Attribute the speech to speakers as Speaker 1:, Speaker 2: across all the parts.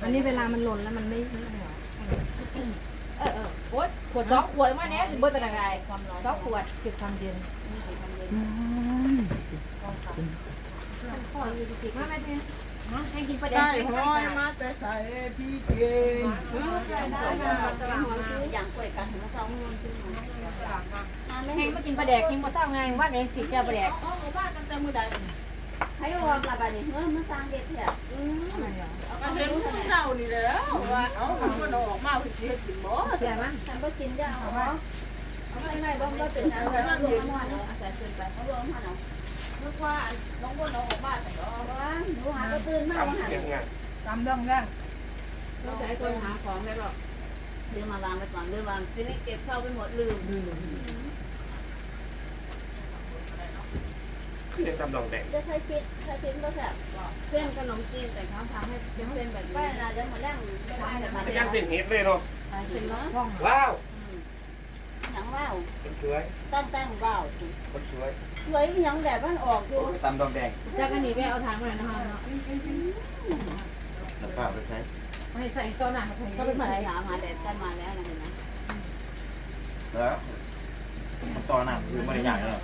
Speaker 1: นนี้เวลามันหล่นแล้วมันไม่หรอ
Speaker 2: โอ๊ยขวด2 ขวดมาเนี้ยเบอร์แต่ไหน2 ขวด
Speaker 1: เก็บความเย็นมาแม่เนี่ยให้กินปลาแด
Speaker 3: ได้
Speaker 1: ง
Speaker 3: ห้อยมาแต่ใส่พี่เก่ง
Speaker 4: อย่างกล้วยกันถึงจะเอาเงินขึ้นมา
Speaker 2: แห้งมากินปลาแดกแห้งมาเศร้าไงว่าในสิเจ้าปลาแดก
Speaker 4: บ้านกันแต่มือใดให้วอร์มละบานี่เฮ้ยมันสร้างเด็ดแท้
Speaker 3: มาเห็นผู้เฒ่านี่แล้วว่าเอามันออกมาสิเฮ็ดกินบ่
Speaker 1: เสียมั้ย
Speaker 4: ฉันก็กินยาเหรอเอาไม่ไม่บ้องก็ตื่นแล้วบ้านรวมหัวเนาะอาจารย์ตื่นไปเขารวมหัวเนาะนึกว่าน้องบนน้องออกบ้านแต่ก็ว่าหนูหาก็ตื่นมาหัน
Speaker 3: จำต้องได้
Speaker 4: ต้องใช้คนหาของได้หรอกลืมมาวางไปก่อนลืมวางทีนี้เก็บเข้าไปหมดลืม
Speaker 5: เรียกตำดองแดง
Speaker 4: จะใช้คิดก็แบบเส้นขนมจีนแต่เขาทำให้เป็นเส้นแบบนี้ก็จะมาแล้งไม่ได้แต่มา
Speaker 5: ไม่ยังเส้นเฮ็ดเลยเนาะ
Speaker 4: เป็นเนาะ
Speaker 5: ว้าว
Speaker 4: ยังว้าว
Speaker 5: คนสวย
Speaker 4: ตั้งว้าว
Speaker 5: คนสวย
Speaker 4: สวยยังแบบมันออกอยู่
Speaker 5: ตำดองแดง
Speaker 2: จากกันนี้ไปเอาทางมาหน่อยนะคะเนาะ
Speaker 5: แล้วก็เอาไปใช้
Speaker 2: ให้ใส่ตัวหนักก็เป็น
Speaker 4: มา
Speaker 2: อะไร
Speaker 4: หามาแดดกันมาแล้วนะเห็นไหม
Speaker 5: แล้วตอนนั้นคือไม่ได้ใหญ่แล้ว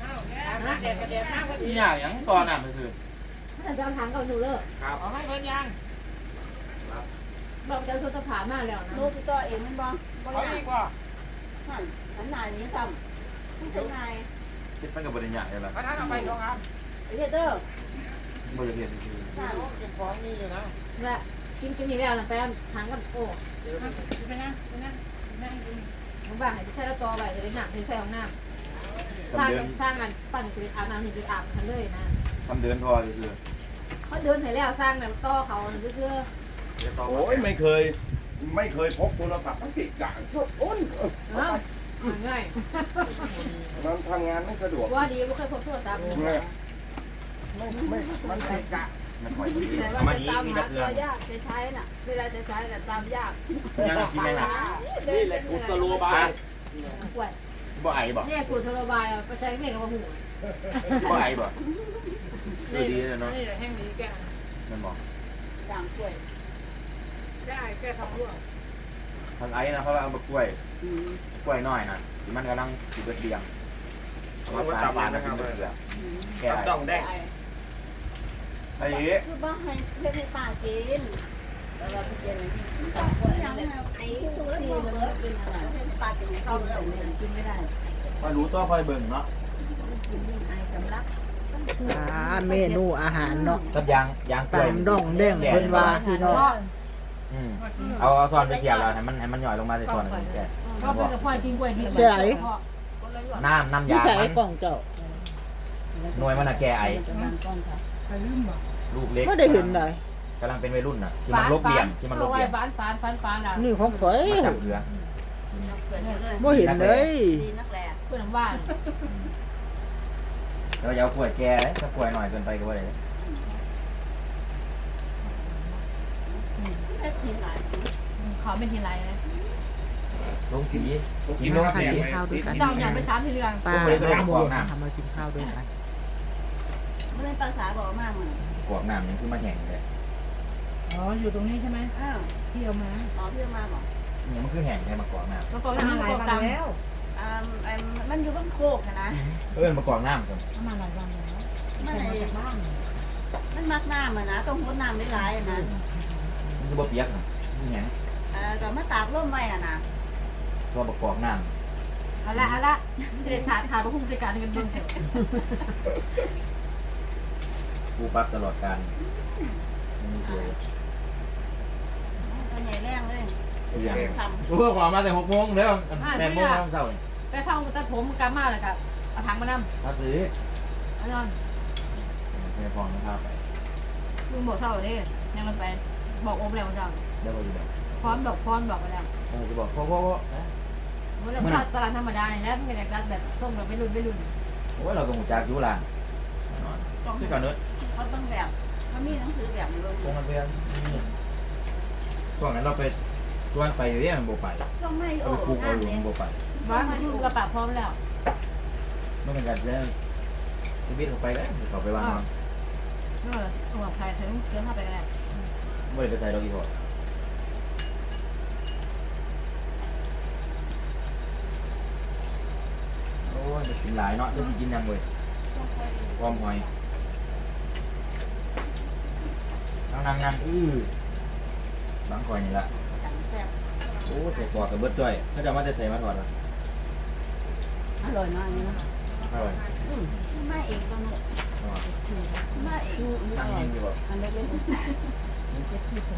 Speaker 5: ที่ใหญ่ยังตอนนั้นก็คือ
Speaker 2: ถ้าจะเอาทางกับหนูเลิก
Speaker 5: ครับเอาให้เพิ่นยัง
Speaker 2: บอกจะเอาตัวผ่านมาแล้วนะ
Speaker 4: ลูกตัวเองมันบ้อง
Speaker 3: เอาอีกว่า
Speaker 4: หันหน้านี้ซ้ำเป็นไง
Speaker 5: คิดมันกับบริญญาเลยล่ะ
Speaker 3: ท่านเอาไปลงครับ
Speaker 4: ไอ้เด้อบ
Speaker 5: ริเรียนคือ
Speaker 3: เก็บของนี่อยู่นะ
Speaker 2: และกินนี่แล้วนะแฟนทางกับโอ้
Speaker 3: เป็นไง
Speaker 2: ผมบ้านไหนจะใช้แล้วตัวไปจะได้หนักถึงใส่ของน้ำสร้างกันปั่นคืออาบน้ำนี่คืออาบกันเลยนะ
Speaker 5: ทำเดินพอคือ
Speaker 2: เขาเดินให้แล้วสร้างแบบต่อเขาเพื่อ
Speaker 6: โอ้ยไม่เคยพกโทรศัพท์ทั้งติดกลางชดอ้น
Speaker 2: เอ้าง่าย
Speaker 6: มันทำงานไม่สะดวก
Speaker 2: ว่าดีไม่เคยพบโทรศัพท์
Speaker 6: ไม่มันติดกะ
Speaker 5: มันหอยดี
Speaker 4: แต่ว่าจะตามหาตัวยากจะใช้น่ะเวลาจะใช้แต่ตามยาก
Speaker 5: ยังกินไม่หลับ
Speaker 6: นี่แหละกุศโลบาย
Speaker 2: ป่วย
Speaker 5: บ่ไอบ่
Speaker 2: เนี่ยกูสโลบายอ่ะไปใช้เมฆกับหู
Speaker 5: บ่ไอบ่ดีเลยเนาะ
Speaker 3: นี่แห้งดีแก
Speaker 5: มันบอก
Speaker 4: จางกล้วย
Speaker 3: ได้แค่ทำร่วง
Speaker 5: ทางไอ้นะเขาเอามากล้วยน้อยนะมันกำลังสิเบิดเบียงมาตาบานนะครับแก่ดองแดงไอ้
Speaker 4: คือบ้าให้เพื่อนให้ป้ากินแล้วเราไปกินจางกล้วยนั่นแหละไอ้ตัวที่มันกินอะไรให้ป้ากินเข้าเลยกินไม่ได้
Speaker 5: พอรู้ตัวพอเบิ่งเนาะ
Speaker 4: กินไอ้สำลัก
Speaker 3: เมนูอาหารเนาะ
Speaker 5: กับยางกล้วย
Speaker 3: ตำดองแดงเพิ่นว่าพี่น้อง
Speaker 5: เอาซอนไปเสียบแล้วให้มันหย่อยลงมาในส่วนแก
Speaker 2: ก็เป็นกับพ่อกินกล้วยดี
Speaker 5: น้ำ
Speaker 3: พี่
Speaker 5: ยา
Speaker 3: ใส่
Speaker 5: มัน
Speaker 3: กล่องเจ้า
Speaker 5: หน่วยมันแก่ไอ
Speaker 4: จะบางก้อนค่ะ
Speaker 5: ลูกเล็ก
Speaker 3: ไม่ได้เห็นเลย
Speaker 5: กำลังเป็นวัยรุ่นน่ะที่มันลบเหลี่ยมที่มันลบเหลี่ยม
Speaker 2: ฟานแล้ว
Speaker 3: นี่ของข่อย
Speaker 5: มาจับเรือ
Speaker 3: บ่เห็นเลย
Speaker 4: ดีนักแหละ
Speaker 2: เพื่อนบ้าน
Speaker 5: แล้วอย่าเอากล้วยแก่ถ้ากล้วยหน่อยเกินไปก็ว่าได้
Speaker 4: แค่ทีหลาย
Speaker 2: เขาเป็นทีไรนะ
Speaker 5: ลงสีกินลงสี
Speaker 3: กินข้าวด้วยกัน
Speaker 2: เจ้าอย่างไป3 ทีเรือง
Speaker 3: ป้าและโมทำมากินข้าวด้วยกัน
Speaker 4: ไม่ได้ภาษาบอกมากมัน
Speaker 5: กวกน้ำยังคือมาแข่งเลย
Speaker 1: อ๋ออยู่ตรงนี้ใช่ไหม
Speaker 4: อ้าว
Speaker 1: ที่เอามา
Speaker 4: อ๋อพี่มาบอก
Speaker 5: เนี่ยมันคือแห่งให้มากวกน้ำ
Speaker 2: แล้วก็
Speaker 1: มา
Speaker 2: นั่ง
Speaker 1: หลาย
Speaker 2: ก
Speaker 1: วัน
Speaker 2: ตัง
Speaker 1: แล้ว
Speaker 4: มันอยู่บนโคกนะ
Speaker 5: มากวกน้ำกัน
Speaker 1: มาหลายวันแล้ว
Speaker 4: มัน
Speaker 1: มาจากบ้าน
Speaker 4: มันมักน้ำนะต้องพดน้ำได้หลายนะ
Speaker 5: มันคือบ่เปียกน่ะนี่หยัง
Speaker 4: ก็มาตากร่มไว้นะ
Speaker 5: ตัวประกอบน้
Speaker 2: เอาละเด็กสารขาดพระผู้จัดการเป็นเบื้องเถอะ
Speaker 5: ำผู้ปรับตลอดการมันสวย
Speaker 4: ตัวใหญ่แรงเลย
Speaker 5: คืออย่าง
Speaker 4: ทำ
Speaker 5: เพื่อความมาแต่6 โมงแล้ว8 โมงเช้า
Speaker 2: ไปเข้าตัดผมกำมาเลยครับเอาถังมานำ
Speaker 5: ถ้าซื้อ
Speaker 2: เอานอน
Speaker 5: แม่พองนะครับไป
Speaker 2: ลุงบอกเท่าเลยยังมันไปบอกองค์แล้วเจ้า
Speaker 5: ได้บ่อยู่แบบ
Speaker 2: พร้อมบอกไปแล้ว
Speaker 5: จะบอกพ่อ
Speaker 2: เมื่อเราตลาดธรรมดาเนี่ยแล้วมันก็จะแบบส่งเราไม่รุ่น
Speaker 5: โอ้ยเราต้องจากยุลานคือก่อนเนื้อ
Speaker 4: เขาต้องแบบเขามีหนังสือแบบลง
Speaker 5: ตรงกันเพื่อนช่วงนั้นเราไปชวนไปอยู่เนี่ยมันโบไป
Speaker 4: ช่องไม่
Speaker 5: เอา
Speaker 4: โอ้
Speaker 5: ไปปลูกเอาหลุมโบไป
Speaker 2: บ้านอยู่กระปะพร้อมแล้ว
Speaker 5: ไม่เป็นการเรื่องชีวิตเขาไปแล้วเขาไปวางนอน
Speaker 2: หัวใครถึงเกินเข้าไปแล้ว
Speaker 5: ไม่ได้ไปใส่เราอีกพอ
Speaker 2: เ
Speaker 5: กินหลายเนาะจะกินยังเลยพร้อมหอยนั่งบางคอยนี่ละโอ้ใส่ปอดกับเบิดจ้อยถ้าจะมาจะใส่มาถอดละ
Speaker 4: อร่อยมากเลยนะ
Speaker 5: อร่อย
Speaker 4: มาเองก็หมดมาเอง
Speaker 5: นั่งยิงดีกว่า
Speaker 4: อันเล็ก
Speaker 1: เจ็ดสี่สอง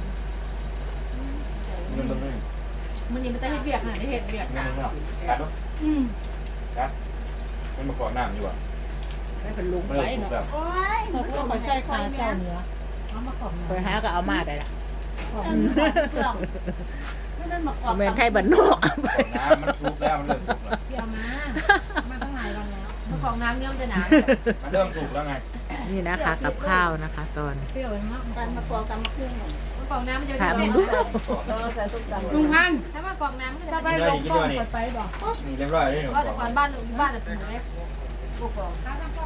Speaker 5: เงินเบิ่งเลย
Speaker 2: มันนี่มันจะเฮ็ดเบียกน่ะได้เฮ็ดเบียก
Speaker 5: เงินเบิ่งเนาะกัดเนาะกัดมันมาก่อนน้ำอยู่ว่ะ
Speaker 3: ให้เป็นลุง
Speaker 5: ไม่
Speaker 3: ไป
Speaker 5: ได้ถูก
Speaker 3: เนาะ
Speaker 5: แบบ
Speaker 4: ๆโอ้ย
Speaker 1: เขาก็มาใส่ขาเจ้าเนื้อเอามาขอบ
Speaker 3: ไปหาก็เอามาได้ละ
Speaker 4: เครื่องไม่ได้มากรอบ
Speaker 3: แม่นไทยบ้านนอก
Speaker 5: น้ำมันสุกแล้วมันเริ่มสุกแล้ว
Speaker 1: เกี่ยวมาตั้งหลายวันแล้ว
Speaker 2: เมื่อของน้ำเนี่ยมันจะหนา
Speaker 5: มันเริ่มสุกแล้วไง
Speaker 3: นี่นะคะกับข้าวนะคะตอน
Speaker 1: เปรี้ยวมาก
Speaker 4: การมากรอบกันมาเครื่องหน่อย
Speaker 2: เมื่อของน้ำมันจะ
Speaker 3: ถาม
Speaker 2: แดง
Speaker 3: ดู
Speaker 4: ใส่ส้มตำ
Speaker 1: ลุงพัน
Speaker 2: ถ้าว่ากองน้ำมันจะ
Speaker 1: จะไปลงกล้องไปบอก
Speaker 5: นี่เรียบร้อยเลยหนู
Speaker 2: ก็แต่ก่อนบ้านจะเป็นเล็กพวกกอง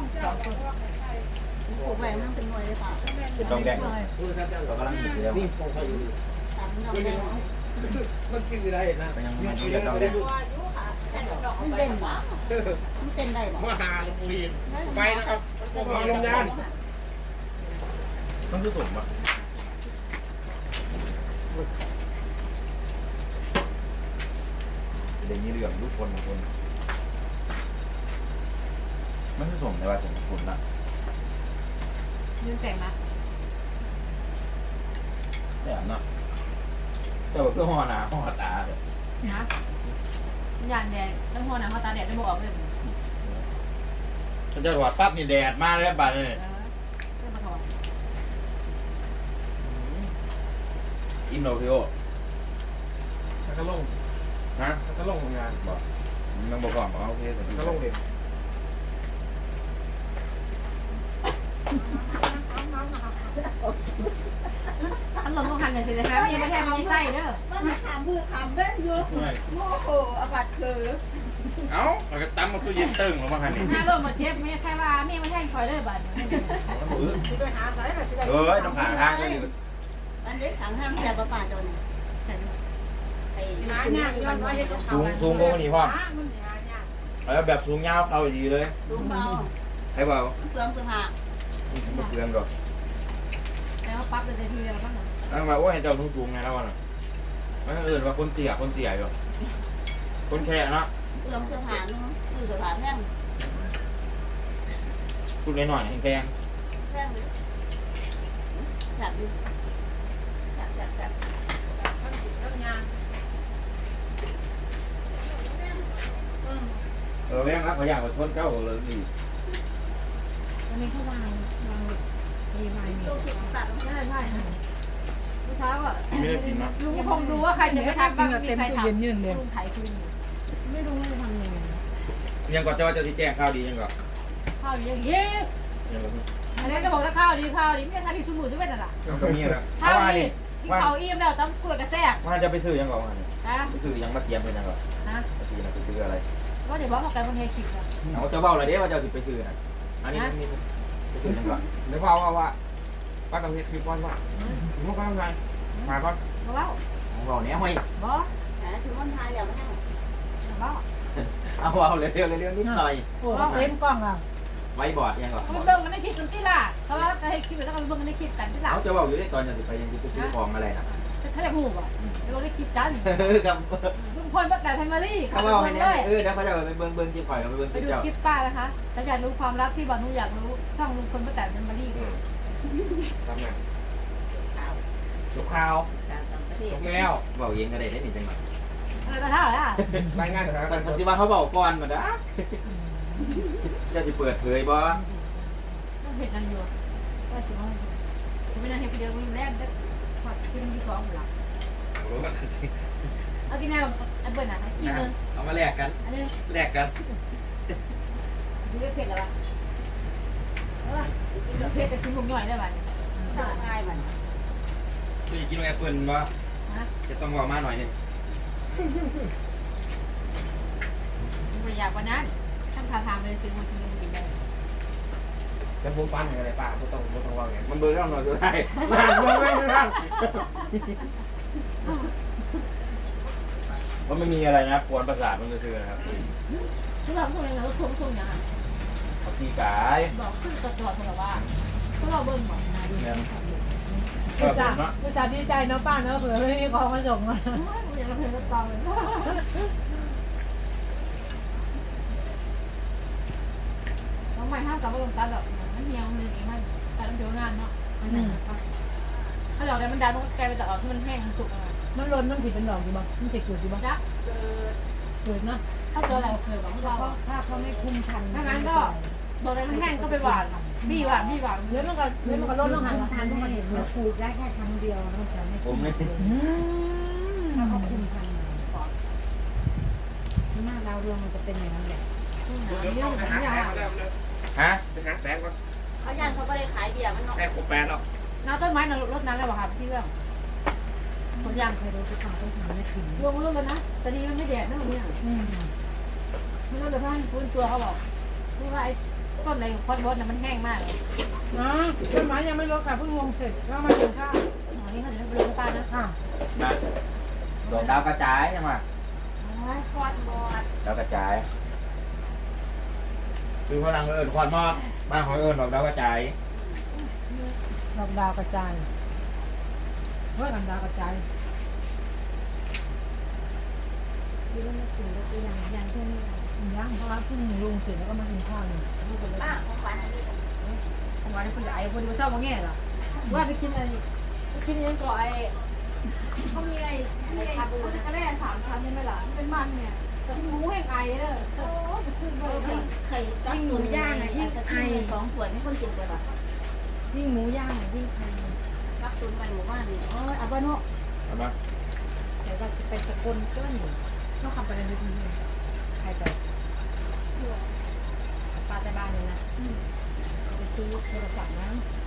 Speaker 4: ปลูกใบมันเป็นหน่วยเลยค่ะ
Speaker 5: ดองแดงเรากำลังหิวอยู่แล้ว
Speaker 4: ตำน้ำแดง
Speaker 6: มันชื่ออะไรนะ
Speaker 5: ก็ยังไม่เรียกดองแดง
Speaker 4: มันเด่นหวะมันเต้นได้หวะ
Speaker 6: มาหาหลวงปู่อินไปนะครับมาลงยาน
Speaker 5: มันคือสุกปะเดี๋ยวนี้เรื่องทุกคนมันคือส่งแต่ว่าส่งคนละ
Speaker 2: ยืนแต่งนะ
Speaker 5: แต่เนาะแต่ว่าเพื่อห่อหนาห่อตาเลย
Speaker 2: นะยานแดงต้องหัวหนังหัวตาแดดได้บอกออกเลย
Speaker 5: ถ้าจะถอดปั๊บนี่แดดมาแล้วบาดเลย
Speaker 2: เริ่มมาถอด
Speaker 5: อินโนฟิโอ
Speaker 6: แล้วก็ลง
Speaker 5: ฮะ
Speaker 6: แล้วก็ลงงาน
Speaker 5: บอกมันบอกก่อนบอกโอเคแต่
Speaker 6: ก็ลงเด็ก
Speaker 2: อันหลงลงหันเลยสินะคะมีไม่แทบมีไส้เด้อ
Speaker 4: มันขามมือขามเว้นอยู่โมโหอบัดคือ
Speaker 5: เอ้าเราก็ตั้มมาตู้เย็นตึงลงมาคันนี้
Speaker 2: ถ้าลงมาเทียบไม่ใช่ว่านี่ไม่แทงคอยเลยบัด
Speaker 3: ไปหาสายน่ะสิได้
Speaker 5: เอ้ยน้ำผาทางก็อยู่
Speaker 4: อันนี้ขังห้ามแซ่บป่าจนไอ้
Speaker 3: หาเนี่ยย้อนไว้ให้เขา
Speaker 5: สูงกว่านี้พ่อ
Speaker 3: มันหาเนี่ย
Speaker 5: แล้วแบบสูงยาวเข้าดีเลย
Speaker 4: ลุงเบา
Speaker 5: ให้เปล่า
Speaker 4: เปลืองเสื้อผ้า
Speaker 5: ไม่เปลืองหรอก
Speaker 2: แล้วปั๊บเลยทีเดียวแล้วก็
Speaker 5: นั่งมาโอ้ยเจ้าสูงไงแล้ววะน่ะมันอื่นว่าคนเตี่ยอยู่คนแค่เนาะ
Speaker 4: เปลืองเสื้อผ้านู้นเสื้อผ้าแพง
Speaker 5: ชุดน้อยๆแพง
Speaker 4: แพงเลยจัดดิจัด
Speaker 2: ต้องยาง
Speaker 5: แพงนะเขาอยากมาชนเก้าเลยดิ
Speaker 1: วันนี้เขาวางมีไม้มี
Speaker 4: ลูกผิดตัด
Speaker 2: ใช่ใช่เมื่อเช้าอ่ะ
Speaker 5: ไม่ได้กินเนาะ
Speaker 2: ลุงคงดูว่าใครจะไปทำบ้างมีใครทำ
Speaker 1: ยืนเลย
Speaker 2: ลุงไถคืน
Speaker 1: ไม่รู้ว่าจะทำยังไง
Speaker 5: ยังก่อนจะว่าจะที่แจ้งข้าวดียังก่อน
Speaker 2: ข้าวดีอย่างนี้
Speaker 5: ยังก่อน
Speaker 2: อันนี้ก็บอกว่าข้าวดีไม่ได้ทำที่สมุนด้วยนั่นแหละ
Speaker 5: ก็มีแล้ว
Speaker 2: ข้าวดีกินข้าวอิ่มแล้วต้องกล้วยกระแซก
Speaker 5: ว่าจะไปซื้อยังก่อน
Speaker 2: นะ
Speaker 5: ไปซื้อยังมาเตรียมเป็นยังก่อน
Speaker 2: นะ
Speaker 5: ทีนะไปซื้ออะไร
Speaker 2: ว่าเดี๋ยวบอกเขากันบนเฮคิกนะ
Speaker 5: เอาเจ้าเบ้าอะไรเด้ว่าเจ้าสิไปซื้อนะอันนี้ไปซื้อยังก่อนเดี๋ยวว่าป้ากับเฮ็ดคลิปก่อนว่าผมก็ทำไงมาก่อน
Speaker 2: บอกว่า
Speaker 5: ผมบอกเนี้ยห้อย
Speaker 2: บอก
Speaker 4: หาถึงวันทายอย่างนั้น
Speaker 2: บอก
Speaker 5: เอาเร็วนิดหน่อย
Speaker 1: โอ้เต็มกล้องอ่ะ
Speaker 5: ไว้บอร์ดยังก่อน
Speaker 2: เขาเบิ่งกันในคลิปกันที่ล่ะเขาว่าจะให้คลิปแล้วก็เบิ่งกันในคลิปกันที่ล่ะ
Speaker 5: เขาจะบอกอยู่ได้ตอนจะไปยังไปซื้อของอะไรนะ
Speaker 2: ถ้าจะหูอ่ะเดี๋ยวได้คลิปกัน
Speaker 5: ครับ
Speaker 2: ลุงพลป้าแต่ไพมารี่
Speaker 5: เขา
Speaker 2: เขา
Speaker 5: บอก
Speaker 2: ไป
Speaker 5: ให้
Speaker 2: เบิ่ง
Speaker 5: เนี่ย
Speaker 2: เลย
Speaker 5: เดี๋ยวเขาจะไปเบิ้งคลิปข่อยไปเบิ้งค
Speaker 2: ไป
Speaker 5: ลิป
Speaker 2: ดู
Speaker 5: เจ้า
Speaker 2: คลิปป้านะคะถ้าอยากรู้ความลับที่บอลนูอยากรู้ช่องลุงพลป้าแต่ไพมารี่
Speaker 6: ทำไง
Speaker 5: ลูกข่าว
Speaker 6: ถูกแล้ว
Speaker 5: บอกเย็นก็ได้ได้หนึ่งจังหวะ
Speaker 2: อะไรก็เท่าไหร่อ่ะ
Speaker 6: รายงานสถาน
Speaker 5: แต่
Speaker 6: การณ์
Speaker 5: ปัจจุบันเขาบอกก่อนมาด้จะสิเปิดเผยบ่
Speaker 2: เห็นนั่นอยู่ว่าสิว่าไม่น่าเห็นไปเดียววิ่งแรกได้พอขึ้นที่สองหลัง
Speaker 6: รู้กันสิ
Speaker 2: เอากินแนวอันเปิดหนังกินนึง
Speaker 5: เอามาแลกกัน
Speaker 2: อันนี้
Speaker 5: แลกกัน
Speaker 2: ดูไม่เผ็ดหรอวะเผ็ดแต่กินหมูย่อยได้ป่ะ
Speaker 4: ง่ายมัน
Speaker 5: คือกินแอปเปิลบ่
Speaker 2: ฮะ
Speaker 5: จะต้องบอกมาหน่อยนึง
Speaker 2: ไม่อยากวันนั้นท่านพาทางไปซื้อมากินได้
Speaker 6: แล้วผมปั้นอะไรป้าไม่ต้องว่าไง
Speaker 5: มันเบอร์เท่าหน่อยสุดท้ายมันไม่ดูนั่งมันไม่มีอะไรนะปวดประสาทมันจะซื้อนะครับ
Speaker 2: ที่เราคนเราทุ่มอย่าง
Speaker 5: เอาตีกาย
Speaker 2: บอกขึ้นตลอดตลอดว่าพวกเราเบิ่งบอกนะดู
Speaker 5: เนี่ย
Speaker 1: อุตส่าห์อุตส่าห์ดีใจเนาะป้าเนาะเผื่อไม่มีของมาส่งอ่ะ
Speaker 2: อย่างเราเพลงก็ตองเลยน้องใหม่ห้ามกลับมาลงตาแบบมันเหี่ยวมันอย่างนี้มันแต่ต้องเดี๋ยวงานเนาะถ้าดอกแต่มันดันมันกลายเป็นดอกที่มันแห้งมันสุกอ่ะ
Speaker 1: มันล้นมันผิดเป็นดอกอยู่บ่มันจะเกิดอยู่บ่
Speaker 2: จ้ะ
Speaker 1: เกิดนะ
Speaker 2: ถ้าเจออะไรเคยบอกเรา
Speaker 1: ถ้าเขาไม่คุมทัน
Speaker 2: ถ้างั้นก็ดอกอะไรมันแห้งก็ไปหวานบี้หวาน
Speaker 1: เดี๋ยวมันก็ล้นลงหันทันให้เราปลูกได้แค่ครั้งเดียวมันจะไม่
Speaker 5: ผมนี่
Speaker 1: ถ้าเขาคุมทันหน้าดาวเรืองมันจะเป็นอย่างนั้นแหละ
Speaker 2: เรื่องของอย่าง
Speaker 5: ฮะ
Speaker 4: เขาย่านเขาไม่ได้ขายเบียร์มันเนาะ
Speaker 2: น้ำต้นไม้รดน้ำแล้วบอกครับพี่เรื่องคนย่าง
Speaker 1: เคยรู้สึกว่าต้องทำไม่ถึง
Speaker 2: รวมรวมกันนะแต่ดีมันไม่แดดนะวันนี้มันก็เลยท่านฟื้นตัวเขาบอกคือว่าไอ้ต้นอะไรคอนโบสมันแห้งมากเลย
Speaker 1: นะต้นไม้ยังไม่ลดค่ะเพิ่งลงเสร็จก็มาถึงข้าว
Speaker 2: อันนี้เขาจะไปลงป้านะ
Speaker 1: ค่ะ
Speaker 5: นะดอกดาวกระจายยังไง
Speaker 4: คอนบอด
Speaker 5: ดาวกระจายคือพลังเอิญควันมอดบ้านของเอิญดอกดาวกระจาย
Speaker 1: ดอกดาวกระจายเฮ้ยกันดาวกระจายที่ว่าไม่ถึงก็คือยังแค่นี้ยังเพราะว่าเพิ่งลงเสร็จแล้วก็มากินข้าวเลย
Speaker 4: ป้าของขวัญอันนี้
Speaker 2: ผมว่าคนใหญ่คนมาเศร้ามาแง่หรอว่าไปกินอะไรไปกินยังก่อไอ้เขามีไอ้ชาบูนะก็แร่3 ชั้นใช่ไหมล่ะเป็นมันเนี่ยกินหมูแห้งไอเด้อโอ้ขึ้นเลย
Speaker 4: เคยจับหมูย่างอ่ะยิ่งไอ2 ขวดไม่คนกินเลยป่ะ
Speaker 1: ยิ่งหมูย่างยิ่งไทย
Speaker 4: รักตุนไปหมู่บ้านนี่
Speaker 1: โอ้ยอาบ้านเนาะ
Speaker 5: เอามา
Speaker 1: เดี๋ยวเราจะไปสกลเกิ้ลต้องขับไปในนิดนึงใครไปป้าในบ้านเลยนะไปซื้อโทรศัพท์นะ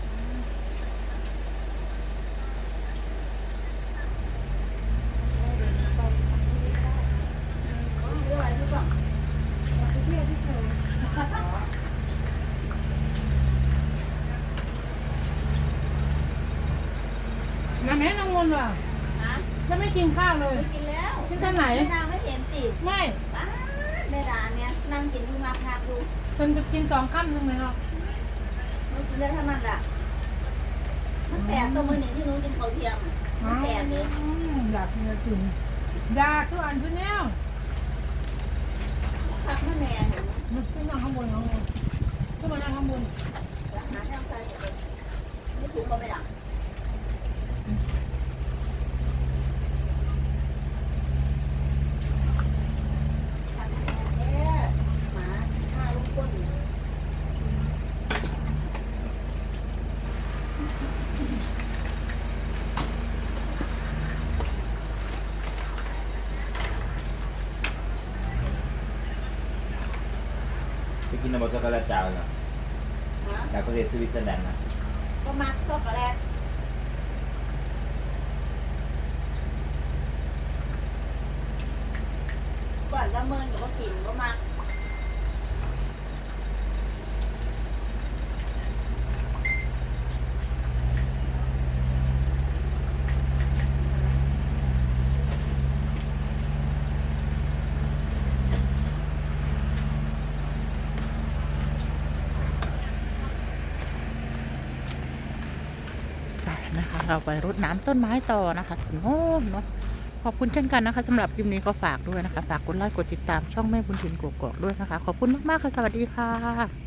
Speaker 4: เรื่องอะไรรู้ป่ะ
Speaker 1: ไปเที่ยวที่เชยน้ำแม่น้ำมนต์ว่ะ
Speaker 4: ฮะ
Speaker 1: จะไม่กินข้าวเลย
Speaker 4: กินแล้ว
Speaker 1: กินตอนไหน
Speaker 4: แม่ดาไม่เห็นติ
Speaker 1: ไม่
Speaker 4: ป้าแม่ดาเนี่ยนั่งกินดูมาพาดู
Speaker 1: จนจะกิน2 ค่ำนึงเลยเนาะ
Speaker 4: มันกินได้เท่านั้นแหละมันแปลกตัวมือหนึ่งที่นู้นกินเขาเทียมมันแปลกเลย
Speaker 1: อยากกินกินอยากทุกอันทุกแนว
Speaker 4: พักแม่แม่เห็นไหม
Speaker 1: มันขึ้นมาข้างบนขึ้นมาข้างบน
Speaker 4: หาทางใส่ไม่ถูกก็ไม่ดังหมาฆ่าลูกก้น
Speaker 5: ไปกินน้ำมันช็อกโกแลตจาวนะ
Speaker 4: ฮะ
Speaker 5: จากประเทศสวิตเซอร์แลนด์นะ
Speaker 4: ก็มักช็อกโกแลตก่อนละเมินกับว่ากินก็มัก
Speaker 7: นะคะเราไปรดน้ำต้นไม้ต่อนะคะถึงโน่นเนาะขอบคุณเช่นกันนะคะสำหรับคลิปนี้ก็ฝากด้วยนะคะฝากกดไลค์กดติดตามช่องแม่บุญถิ่นกกอกด้วยนะคะขอบคุณมากๆค่ะสวัสดีค่ะ